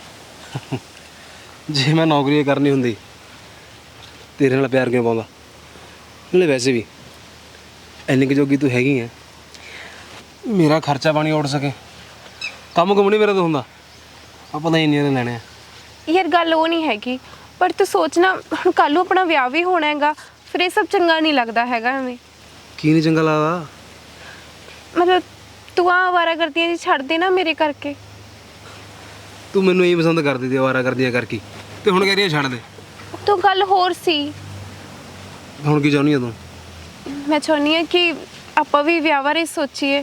ਜੇ ਮੈਂ ਨੌਕਰੀ ਕਰਨੀ ਹੁੰਦੀ ਤੇਰੇ ਨਾਲ ਪਿਆਰ ਕਿਉਂ ਪਾਉਂਦਾ? ਨਾਲੇ ਵੈਸੇ ਵੀ ਇੰਨੀ ਕੁ ਜੋਗੀ ਤੂੰ ਹੈਗੀ ਹੈ, ਮੇਰਾ ਖਰਚਾ ਪਾਣੀ ਉੱਡ ਸਕੇ। ਕੰਮ ਕੁਮ ਨਹੀਂ ਮੇਰਾ ਤਾਂ ਹੁੰਦਾ, ਆਪਾਂ ਤਾਂ ਇੰਨੇ ਲੈਣੇ ਆ। ਯਾਰ ਗੱਲ ਉਹ ਨਹੀਂ ਹੈਗੀ, ਪਰ ਤੂੰ ਸੋਚਣਾ ਹੁਣ ਕੱਲ੍ਹ ਨੂੰ ਆਪਣਾ ਵਿਆਹ ਵੀ ਹੋਣਾ ਹੈਗਾ, ਫਿਰ ਇਹ ਸਭ ਚੰਗਾ ਨਹੀਂ ਲੱਗਦਾ ਹੈਗਾ ਐਵੇਂ। ਕੀ ਨਹੀਂ ਚੰਗਾ ਲੱਗਦਾ? ਮਤਲਬ ਤੂੰ ਆ ਅਵਾਰਾ ਕਰਦੀਆਂ ਜੀ ਛੱਡ ਦੇ ਨਾ ਮੇਰੇ ਕਰਕੇ। ਤੂੰ ਮੈਨੂੰ ਇਹ ਪਸੰਦ ਕਰਦੀ ਤੇ ਆਵਾਰਾ ਕਰਦੀਆਂ ਕਰਕੇ, ਤੇ ਹੁਣ ਕਹਿ ਰਹੀ ਹੈ ਛੱਡ ਦੇ। ਤੂੰ ਗੱਲ ਹੋਰ ਸੀ। ਹੁਣ ਕੀ ਚਾਹੁੰਦੀ ਆ ਤੂੰ? ਮੈਂ ਚਾਹੁੰਦੀ ਹਾਂ ਕਿ ਆਪਾਂ ਵੀ ਵਿਆਹ ਬਾਰੇ ਸੋਚੀਏ।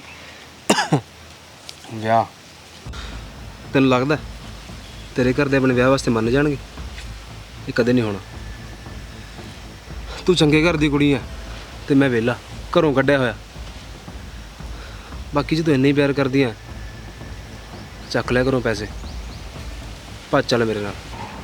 ਵਿਆਹ? ਤੈਨੂੰ ਲੱਗਦਾ ਤੇਰੇ ਘਰ ਦੇ ਆਪਣੇ ਵਿਆਹ ਵਾਸਤੇ ਮੰਨ ਜਾਣਗੇ? ਇਹ ਕਦੇ ਨਹੀਂ ਹੋਣਾ। ਤੂੰ ਚੰਗੇ ਘਰ ਦੀ ਕੁੜੀ ਆ ਤੇ ਮੈਂ ਵਿਹਲਾ, ਘਰੋਂ ਕੱਢਿਆ ਹੋਇਆ। ਬਾਕੀ ਜੇ ਤੂੰ ਇੰਨਾ ਹੀ ਪਿਆਰ ਕਰਦੀ ਆ, ਚੱਕ ਲਿਆ ਘਰੋਂ ਪੈਸੇ, ਭੱਜ ਚੱਲ ਮੇਰੇ ਨਾਲ।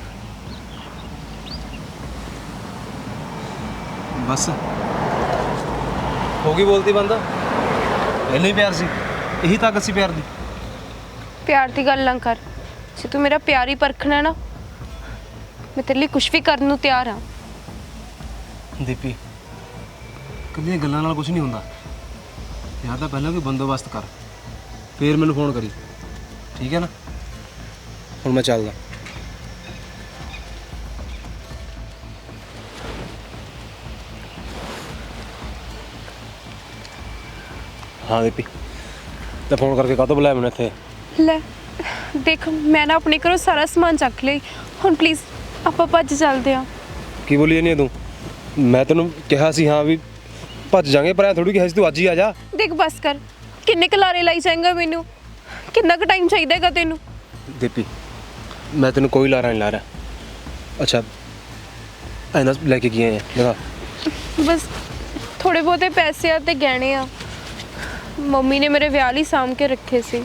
ਬਸ ਹੋ ਗਈ ਬੋਲਤੀ ਬੰਦ? ਇੰਨਾ ਹੀ ਪਿਆਰ ਸੀ? ਇਹੀ ਤਾਕਤ ਸੀ ਪਿਆਰ ਦੀ? ਪਿਆਰ ਦੀ ਗੱਲ ਨਾ ਕਰ। ਜੇ ਤੂੰ ਮੇਰਾ ਪਿਆਰ ਹੀ ਪਰਖਣਾ ਨਾ, ਮੈਂ ਤੇਰੇ ਲਈ ਕੁਝ ਵੀ ਕਰਨ ਨੂੰ ਤਿਆਰ ਹਾਂ। ਦੀਪੀ, ਕੱਲੀਆਂ ਗੱਲਾਂ ਨਾਲ ਕੁਝ ਨਹੀਂ ਹੁੰਦਾ। ਯਾਰ ਤਾਂ ਪਹਿਲਾਂ ਕੋਈ ਬੰਦੋਬਸਤ ਕਰ, ਫੇਰ ਮੈਨੂੰ ਫੋਨ ਕਰੀ, ਠੀਕ ਹੈ ਨਾ? ਹੁਣ ਮੈਂ ਚੱਲਦਾ। ਹਾਂ ਦੀਪੀ, ਤਾਂ ਫੋਨ ਕਰਕੇ ਕਾਹਤੋਂ ਬੁਲਾਇਆ ਮੈਨੂੰ ਇੱਥੇ? ਲੈ ਦੇਖ, ਮੈਂ ਨਾ ਆਪਣੇ ਘਰੋਂ ਸਾਰਾ ਸਮਾਨ ਚੱਕ ਲਈ, ਹੁਣ ਪਲੀਜ਼ ਆਪਾਂ ਭੱਜ ਚੱਲਦੇ ਹਾਂ। ਕੀ ਬੋਲੀ ਜਾਂਦੀ ਹੈ ਤੂੰ? ਮੈਂ ਤੈਨੂੰ ਕਿਹਾ ਸੀ ਹਾਂ ਵੀ ਭੱਜ ਜਾਾਂਗੇ, ਪਰ ਐ ਥੋੜੀ ਕਿਹਾ ਸੀ ਤੂੰ ਅੱਜ ਹੀ ਆ ਜਾ। ਦੇਖ ਬਸ ਕਰ, ਕਿੰਨੇ ਕਲਾਰੇ ਲਾਈ ਜਾਏਗਾ ਮੈਨੂੰ? ਕਿੰਨਾ ਕੁ ਟਾਈਮ ਚਾਹੀਦਾ ਹੈਗਾ ਤੈਨੂੰ? ਦੀਪੀ, ਮੈਂ ਤੈਨੂੰ ਕੋਈ ਲਾਰਾ ਨਹੀਂ ਲਾ ਰਿਹਾ। ਅੱਛਾ ਐਨਾ ਲੈ ਕੇ ਕੀ ਆਏ ਆ? ਲਗਾ ਬਸ ਥੋੜੇ ਬਹੁਤੇ ਪੈਸੇ ਆ ਤੇ ਗਹਿਣੇ ਆ, ਮੰਮੀ ਨੇ ਮੇਰੇ ਵਿਆਹ ਲਈ ਸਾਂਭ ਕੇ ਰੱਖੇ ਸੀ।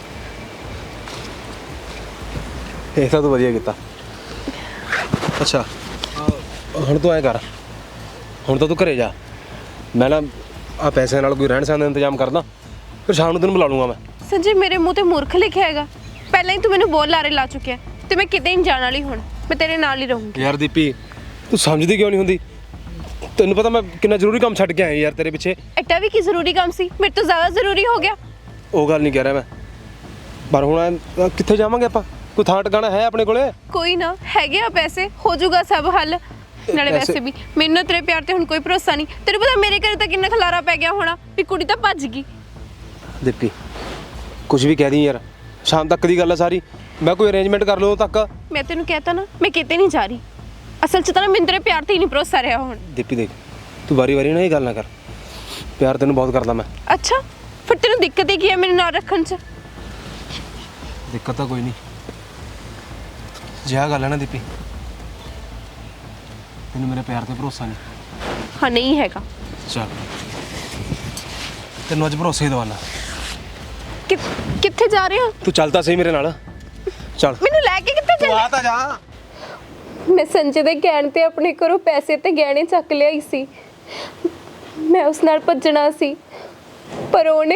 ਇਹ ਤਾਂ ਤੂੰ ਵਧੀਆ ਕੀਤਾ। ਅੱਛਾ ਹੁਣ ਤੂੰ ਐਂ ਕਰ, ਹੁਣ ਤਾਂ ਤੂੰ ਘਰੇ ਜਾ। ਮੈਂ ਨਾ ਆ ਪੈਸਿਆਂ ਨਾਲ ਕੋਈ ਰਹਿਣ ਸਹਿਣ ਦਾ ਇੰਤਜ਼ਾਮ ਕਰਦਾ, ਫਿਰ ਸ਼ਾਮ ਨੂੰ ਤੈਨੂੰ ਬੁਲਾ ਲੂੰਗਾ ਮੈਂ। ਸੰਜੇ, ਮੇਰੇ ਮੂੰਹ ਤੇ ਮੂਰਖ ਲਿਖਿਆ ਹੈਗਾ। ਪਹਿਲਾਂ ਹੀ ਤੂੰ ਮੈਨੂੰ ਬਹੁਤ ਲਾਰੇ ਲਾ ਚੁੱਕਿਆ ਤੇ ਮੈਂ ਕਿਤੇ ਨਹੀਂ ਜਾਣ ਵਾਲੀ। ਹੁਣ ਮੈਂ ਤੇਰੇ ਨਾਲ ਹੀ ਰਹੂੰਗੀ। ਯਾਰ ਦੀਪੀ, ਤੂੰ ਸਮਝਦੀ ਕਿਉਂ ਨਹੀਂ ਹੁੰਦੀ? ਤੈਨੂੰ ਪਤਾ ਮੈਂ ਕਿੰਨਾ ਜ਼ਰੂਰੀ ਕੰਮ ਛੱਡ ਕੇ ਆਇਆ ਯਾਰ ਤੇਰੇ ਪਿੱਛੇ। ਐਡਾ ਵੀ ਕੀ ਜ਼ਰੂਰੀ ਕੰਮ ਸੀ? ਮੇਰੇ ਤੋਂ ਜ਼ਿਆਦਾ ਜ਼ਰੂਰੀ ਹੋ ਗਿਆ। ਉਹ ਗੱਲ ਨਹੀਂ ਕਹਿ ਰਿਹਾ ਮੈਂ, ਪਰ ਹੁਣ ਐਂ ਕਿੱਥੇ ਜਾਵਾਂਗੇ ਆਪਾਂ? ਕੋਈ ਥਾਂ ਟਿਕਾਣਾ ਹੈ ਆਪਣੇ ਕੋਲੇ? ਕੋਈ ਨਾ, ਹੈਗੇ ਆ ਪੈਸੇ, ਹੋ ਜਾਊਗਾ ਸਭ ਹੱਲ। ਨਾਲੇ ਪੈਸੇ- ਵੈਸੇ ਵੀ ਮੈਨੂੰ ਤੇਰੇ ਪਿਆਰ ਤੇ ਹੁਣ ਕੋਈ ਭਰੋਸਾ ਨਹੀਂ। ਤੈਨੂੰ ਪਤਾ ਮੇਰੇ ਘਰੇ ਤਾਂ ਕਿੰਨਾ ਖਲਾਰਾ ਪੈ ਗਿਆ ਹੋਣਾ ਵੀ ਕੁੜੀ ਤਾਂ ਭੱਜ ਗਈ। ਦੀਪੀ ਕੁਝ ਵੀ ਕਹਿ ਦੀ ਯਾਰ, ਸ਼ਾਮ ਤੱਕ ਦੀ ਗੱਲ ਹੈ ਸਾਰੀ। ਮੈਂ ਕੋਈ ਅਰੇਂਜਮੈਂਟ ਕਰ ਲਓ ਤੱਕ। ਮੈਂ ਤੈਨੂੰ ਕਹਿਤਾ ਨਾ, ਮੈਂ ਕਿਤੇ ਨਹੀਂ ਜਾ ਰਹੀ। ਅਸਲ 'ਚ ਤਾਂ ਨਾ ਮੈਨੂੰ ਤੇਰੇ ਪਿਆਰ ਤੇ ਹੀ ਨਹੀਂ ਭਰੋਸਾ ਰਿਹਾ ਹੁਣ। ਦੀਪੀ ਦੇਖ, ਤੂੰ ਵਾਰੀ ਵਾਰੀ ਨਾ ਇਹ ਗੱਲ ਨਾ ਕਰ। ਪਿਆਰ ਤੈਨੂੰ ਬਹੁਤ ਕਰਦਾ ਮੈਂ। ਅੱਛਾ, ਫਿਰ ਤੈਨੂੰ ਦਿੱਕਤ ਹੀ ਕੀ ਹੈ ਮੈਨੂੰ ਨਾਲ ਰੱਖਣ 'ਚ? ਦਿੱਕਤ ਤਾਂ ਕੋਈ ਨਹੀਂ। ਜੇ ਆਹ ਗੱਲ ਹੈ ਨਾ ਦੀਪੀ, ਤੈਨੂੰ ਮੇਰੇ ਪਿਆਰ ਤੇ ਭਰੋਸਾ ਨਹੀਂ। ਹਾਂ ਨਹੀਂ ਹੈਗਾ। ਚੱਲ ਤੈਨੂੰ ਅੱਜ ਭਰੋਸੇ ਹੀ ਦਵਾਨਾ। ਕਿ ਕਿੱਥੇ ਜਾ ਰਹੇ ਹੋ? ਤੂੰ ਚੱਲ ਤਾਂ ਸਹੀ ਮੇਰੇ ਨਾਲ। ਚੱਲ ਮੈਨੂੰ ਲੈ ਕੇ ਕਿੱਥੇ ਤੂੰ ਚੱਲੇ? ਆ ਤਾਂ ਜਾ। ਮੈਂ ਸੰਜੇ ਦੇ ਕਹਿਣ ਤੇ ਆਪਣੇ ਘਰੋਂ ਪੈਸੇ ਤੇ ਗਹਿਣੇ ਚੱਕ ਲਿਆਈ ਸੀ। ਮੈਂ ਉਸ ਨਾਲ ਭੱਜਣਾ ਸੀ ਪਰ ਉਹਨੇ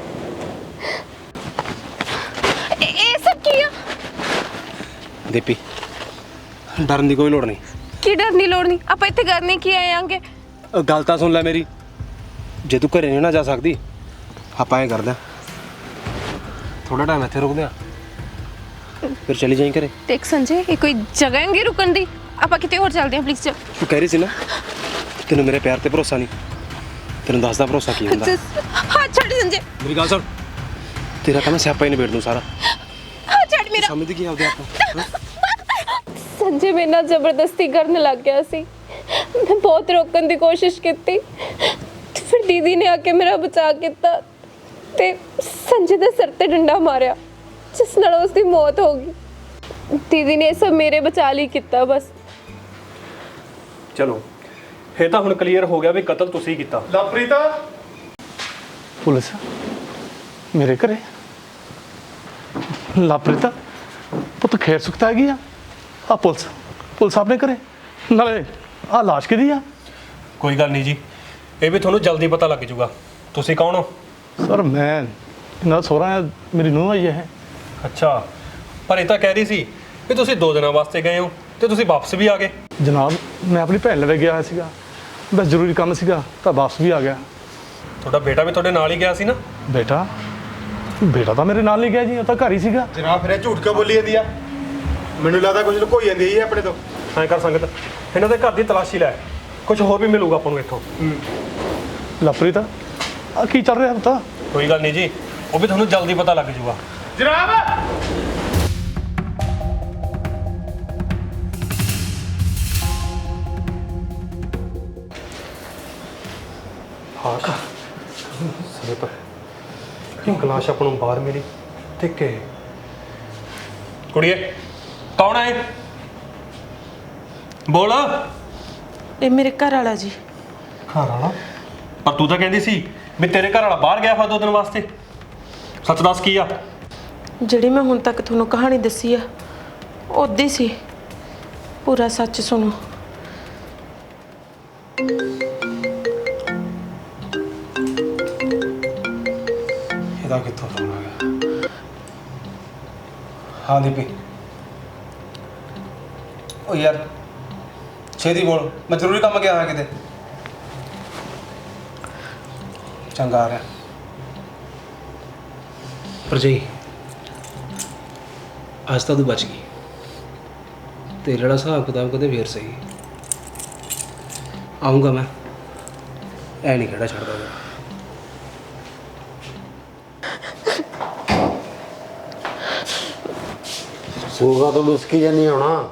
ਇਹ ਇਹ ਸਭ ਕੀ ਆ? ਦੀਪੀ ਡਰਨ ਦੀ ਕੋਈ ਲੋੜ ਨਹੀਂ। ਕੀ ਡਰਨ ਦੀ ਲੋੜ ਨਹੀਂ, ਆਪਾਂ ਇੱਥੇ ਕਰਨੇ ਕੀ ਆਏ ਆਂਗੇ? ਉਹ ਗੱਲ ਤਾਂ ਸੁਣ ਲੈ ਮੇਰੀ। ਜੇ ਤੂੰ ਘਰੇ ਨਹੀਂ ਨਾ ਜਾ ਸਕਦੀ ਆਪਾਂ ਐਂ ਕਰਦੇ ਹਾਂ, ਥੋੜਾ ਟਾਈਮ ਇੱਥੇ ਰੁਕਦੇ ਹਾਂ ਫਿਰ ਚਲੀ ਜਾਈਂ ਘਰੇ। ਦੇਖ ਸੰਜੇ, ਇਹ ਕੋਈ ਜਗ੍ਹਾ ਹੈਗੀ ਰੁਕਣ ਦੀ? ਆਪਾਂ ਕਿਤੇ ਹੋਰ ਚੱਲਦੇ ਹਾਂ ਪਲੀਜ਼। ਚੱਲ ਤੂੰ ਕਹਿ ਰਹੀ ਸੀ ਨਾ ਤੈਨੂੰ ਮੇਰੇ ਪਿਆਰ ਤੇ ਭਰੋਸਾ ਨਹੀਂ, ਤੈਨੂੰ ਦੱਸਦਾ ਭਰੋਸਾ ਕੀ ਹੁੰਦਾ। ਹਾਂ ਛੱਡ ਸੰਜੇ, ਮੇਰੀ ਗੱਲ ਸੁਣ, ਤੇਰਾ ਤਾਂ ਮੈਂ ਸਿਆਪਾ ਹੀ ਨਿਬੇੜ ਦੂੰ ਸਾਰਾ। ਹਾਂ ਛੱਡ ਮੇਰਾ। ਸਮਝਦੀ ਕੀ ਆਪਦੇ ਆਪ ਨੂੰ? ਸੰਜੇ ਮੇਰੇ ਨਾਲ ਜ਼ਬਰਦਸਤੀ ਕਰਨ ਲੱਗ ਗਿਆ ਸੀ। ਮੈਂ ਬਹੁਤ ਰੋਕਣ ਦੀ ਕੋਸ਼ਿਸ਼ ਕੀਤੀ ਤੇ ਫਿਰ ਦੀਦੀ ਨੇ ਆ ਕੇ ਮੇਰਾ ਬਚਾਅ ਕੀਤਾ ਤੇ ਸੰਜੇ ਦੇ ਸਿਰ ਤੇ ਡੰਡਾ ਮਾਰਿਆ ਜਿਸ ਨਾਲ ਉਸ ਦੀ ਮੌਤ ਹੋ ਗਈ। ਦੀਦੀ ਨੇ ਇਹ ਸਭ ਮੇਰੇ ਬਚਾਅ ਲਈ ਕੀਤਾ ਬਸ। ਚਲੋ ਇਹ ਤਾਂ ਹੁਣ ਕਲੀਅਰ ਹੋ ਗਿਆ ਵੀ ਕਤਲ ਤੁਸੀਂ ਕੀਤਾ। ਲਵਪ੍ਰੀਤ ਪੁਲਿਸ ਮੇਰੇ ਘਰੇ? ਲਾਪ੍ਰਿਤਾ ਪੁੱਤ ਖੈਰ ਸੁਖਤਾ ਹੈਗੀ ਆ? ਆ ਪੁਲਿਸ ਪੁਲਿਸ ਆਪਣੇ ਘਰੇ? ਨਾਲੇ ਆ ਲਾਸ਼ ਕਿਹਦੀ ਆ? ਕੋਈ ਗੱਲ ਨਹੀਂ ਜੀ, ਇਹ ਵੀ ਤੁਹਾਨੂੰ ਜਲਦੀ ਪਤਾ ਲੱਗ ਜਾਊਗਾ। ਤੁਸੀਂ ਕੌਣ ਹੋ? ਸਰ ਮੈਂ ਇਹਨਾਂ ਦਾ ਸਹੁਰਾ ਆ, ਮੇਰੀ ਨੂੰਹ ਆਈ ਹੈ। ਅੱਛਾ, ਪਰ ਇਹ ਤਾਂ ਕਹਿ ਰਹੀ ਸੀ ਵੀ ਤੁਸੀਂ ਦੋ ਦਿਨਾਂ ਵਾਸਤੇ ਗਏ ਹੋ ਤੇ ਤੁਸੀਂ ਵਾਪਸ ਵੀ ਆ ਗਏ। ਜਨਾਬ ਮੈਂ ਆਪਣੀ ਭੈਣ ਲਵੇ ਗਿਆ ਹੋਇਆ ਸੀਗਾ, ਬਸ ਜ਼ਰੂਰੀ ਕੰਮ ਸੀਗਾ ਤਾਂ ਵਾਪਸ ਵੀ ਆ ਗਿਆ। ਤੁਹਾਡਾ ਬੇਟਾ ਵੀ ਤੁਹਾਡੇ ਨਾਲ ਹੀ ਗਿਆ ਸੀ ਨਾ? ਬੇਟਾ ਬੇਟਾ ਤਾਂ ਮੇਰੇ ਨਾਲ ਨਹੀਂ ਗਿਆ ਜੀ, ਉਹ ਤਾਂ ਘਰ ਹੀ ਸੀਗਾ। ਜਨਾਬ ਫਿਰ ਇਹ ਝੂਠ ਕਿਉਂ ਬੋਲੀ ਜਾਂਦੀ ਆ? ਮੈਨੂੰ ਲੱਗਦਾ ਕੁਝ ਲੁਕੋਈ ਜਾਂਦੀ ਹੈ ਜੀ ਆਪਣੇ ਤੋਂ। ਐਂ ਕਰ ਸੰਗਤ, ਇਹਨਾਂ ਦੇ ਘਰ ਦੀ ਤਲਾਸ਼ੀ ਲੈ, ਕੁਝ ਹੋਰ ਵੀ ਮਿਲੂਗਾ ਆਪਾਂ ਨੂੰ ਇੱਥੋਂ। ਲਾਪ੍ਰਿਤਾ ਆ ਕੀ ਚੱਲ ਰਿਹਾ ਪੁੱਤ? ਕੋਈ ਗੱਲ ਨਹੀਂ ਜੀ, ਉਹ ਵੀ ਤੁਹਾਨੂੰ ਜਲਦੀ ਪਤਾ ਲੱਗ ਜਾਊਗਾ। ਜਨਾਬ ਹਾਂ ਕਾ ਸੰਗਤ, ਇੱਕ ਲਾਸ਼ ਆਪਾਂ ਨੂੰ ਬਾਹਰ ਮਿਲੀ ਤੇ ਕਿ ਕੁੜੀਏ ਕੌਣ ਹੈ? ਬੋਲ। ਇਹ ਮੇਰੇ ਘਰ ਵਾਲਾ ਜੀ। ਘਰ ਵਾਲਾ? ਪਰ ਤੂੰ ਤਾਂ ਕਹਿੰਦੀ ਸੀ ਵੀ ਤੇਰੇ ਘਰ ਵਾਲਾ ਬਾਹਰ ਗਿਆ ਹੋਇਆ ਦੋ ਦਿਨ ਵਾਸਤੇ। ਸੱਚ ਦੱਸ ਕੀ ਆ? ਜਿਹੜੀ ਮੈਂ ਹੁਣ ਤੱਕ ਤੁਹਾਨੂੰ ਕਹਾਣੀ ਦੱਸੀ ਆ ਉਦਾਂ ਹੀ ਸੀ, ਪੂਰਾ ਸੱਚ ਸੁਣੋ। ਇਹਦਾ ਕਿੱਥੋਂ ਫੋਨ ਆ ਗਿਆ? ਹਾਂ ਦੀਪੀ। ਉਹ ਯਾਰ ਛੇਤੀ ਬੋਲ, ਮੈਂ ਜ਼ਰੂਰੀ ਕੰਮ ਗਿਆ ਹੋਇਆ ਕਿਤੇ। ਚੰਗਾ ਆ ਰਿਹਾ ਭਰਜਾਈ, ਅੱਜ ਤਾਂ ਤੂੰ ਬਚ ਗਈ। ਤੇਰੇ ਵਾਲਾ ਹਿਸਾਬ ਕਿਤਾਬ ਕਦੇ ਫੇਰ ਸਹੀ ਆਉਂਗਾ ਮੈਂ, ਐ ਨਹੀਂ ਖੜਾ ਛੱਡਦਾ ਮੈਂ। ਸੂਗਾ ਤੋਂ ਮੁਸਕੀ ਜਾਨੀ ਹੋਣਾ।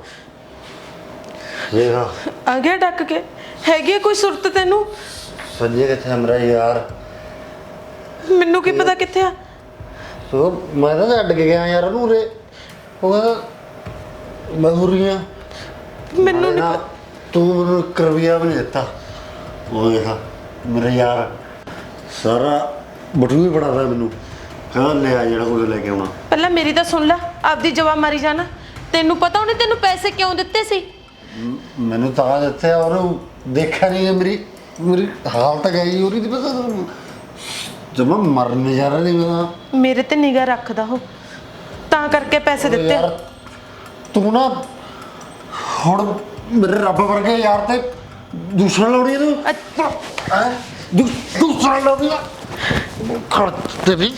ਵੇਖਾ ਆ ਗਿਆ ਡੱਕ ਕੇ। ਹੈਗੀ ਆ ਕੋਈ ਸੁਰਤ ਤੈਨੂੰ? ਸੰਜੇ ਕਿੱਥੇ ਮੇਰਾ ਯਾਰ? ਮੈਨੂੰ ਕੀ ਪਤਾ ਕਿੱਥੇ ਆ। ਸੋ ਮੈਂ ਤਾਂ ਛੱਡ ਕੇ ਗਿਆ ਯਾਰ ਉਹਨੂੰ ਉਰੇ। ਉਹ ਕਹਿੰਦਾ ਮਜ਼ਦੂਰੀਆਂ। ਮੈਨੂੰ ਨਹੀਂ ਨਾ, ਤੂੰ ਮੈਨੂੰ ਇੱਕ ਰੁਪਈਆ ਵੀ ਨਹੀਂ ਦਿੱਤਾ। ਉਹ ਵੇਖਾ ਮੇਰਾ ਯਾਰ ਸਾਰਾ ਬਟੂ ਵੀ ਬਣਾਦਾ ਮੈਨੂੰ, ਕਹਿੰਦਾ ਲੈ ਆ ਜਿਹੜਾ ਕੁਝ ਲੈ ਕੇ ਆਉਣਾ। ਪਹਿਲਾਂ ਮੇਰੀ ਤਾਂ ਸੁਣ ਲੈ, ਆਪਦੀ ਜਵਾਬ ਮਾਰੀ ਜਾਣਾ। ਤੈਨੂੰ ਪਤਾ ਉਹਨੇ ਤੈਨੂੰ ਪੈਸੇ ਕਿਉਂ ਦਿੱਤੇ ਸੀ? ਮ- ਮੈਨੂੰ ਤਾਂ ਦਿੱਤੇ ਉਹਨੂੰ ਦੇਖਿਆ ਨਹੀਂ ਮੇਰੀ ਮੇਰੀ ਹਾਲਤ ਗਈ ਉਹਦੀ। ਪਤਾ ਤੁਹਾਨੂੰ ਜਮਾ ਮਰਨ ਜਾ ਰਿਹਾ ਨਹੀਂ ਮੈਂ। ਮੇਰੇ ਤੇ ਨਿਗਾਹ ਰੱਖਦਾ ਹੋ ਤਾਂ ਕਰਕੇ ਪੈਸੇ ਦਿੱਤੇ। ਯਾਰ ਤੂੰ ਨਾ ਹੁਣ ਮੇਰੇ ਰੱਬ ਵਰਗੇ ਯਾਰ ਤੇ ਦੂਸਰਾ ਲਾਉਣੀ ਤੂੰ ਹੈ। ਦੂਸਰਾ ਲਾਉਣੀ ਖੜਤੇ ਵੀ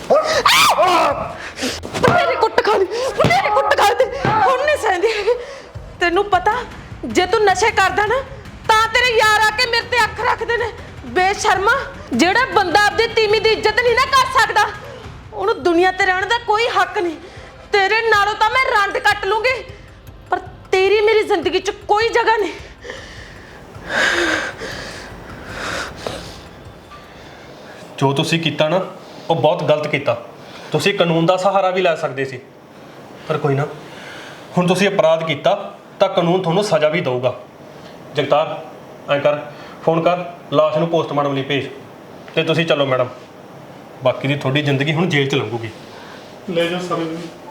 ਤੇਰੇ ਕੁੱਟ ਖਾਣੀ, ਤੇਰੇ ਕੁੱਟ ਖਾ ਤੇ ਹੁਣ ਨਹੀਂ ਸਹਿੰਦੀ। ਤੈਨੂੰ ਪਤਾ ਜੇ ਤੂੰ ਨਸ਼ੇ ਕਰਦਾ ਨਾ ਤਾਂ ਤੇਰੇ ਯਾਰ ਆ ਕੇ ਮੇਰੇ ਤੇ ਅੱਖ ਰੱਖਦੇ ਨੇ। ਬੇਸ਼ਰਮਾ, ਜਿਹੜਾ ਬੰਦਾ ਆਪਦੀ ਤੀਵੀਂ ਦੀ ਇੱਜ਼ਤ ਨਹੀਂ ਨਾ ਕਰ ਸਕਦਾ ਉਹਨੂੰ ਦੁਨੀਆ ਤੇ ਰਹਿਣ ਦਾ ਕੋਈ ਹੱਕ ਨਹੀਂ। ਤੇਰੇ ਨਾਲੋਂ ਤਾਂ ਮੈਂ ਰੰਡ ਕੱਟ ਲੂੰਗੀ ਪਰ ਤੇਰੀ ਮੇਰੀ ਜ਼ਿੰਦਗੀ 'ਚ ਕੋਈ ਜਗ੍ਹਾ ਨਹੀਂ। ਜੋ ਤੁਸੀਂ ਕੀਤਾ ਨਾ ਉਹ ਬਹੁਤ ਗਲਤ ਕੀਤਾ। ਤੁਸੀਂ ਕਾਨੂੰਨ ਦਾ ਸਹਾਰਾ ਵੀ ਲੈ ਸਕਦੇ ਸੀ, ਪਰ ਕੋਈ ਨਾ, ਹੁਣ ਤੁਸੀਂ ਅਪਰਾਧ ਕੀਤਾ ਤਾਂ ਕਾਨੂੰਨ ਤੁਹਾਨੂੰ ਸਜ਼ਾ ਵੀ ਦੇਊਗਾ। ਜਗਤਾਰ ਐਂ ਕਰ, ਫੋਨ ਕਰ ਲਾਸ਼ ਨੂੰ ਪੋਸਟਮਾਰਟਮ ਲਈ ਭੇਜ ਤੇ ਤੁਸੀਂ ਚੱਲੋ ਮੈਡਮ ਬਾਕੀ ਦੀ ਤੁਹਾਡੀ ਜ਼ਿੰਦਗੀ ਹੁਣ ਜੇਲ੍ਹ 'ਚ ਲੰਘੂਗੀ ਲੈ ਜਾਓ ਸਾਰੇ ਨੂੰ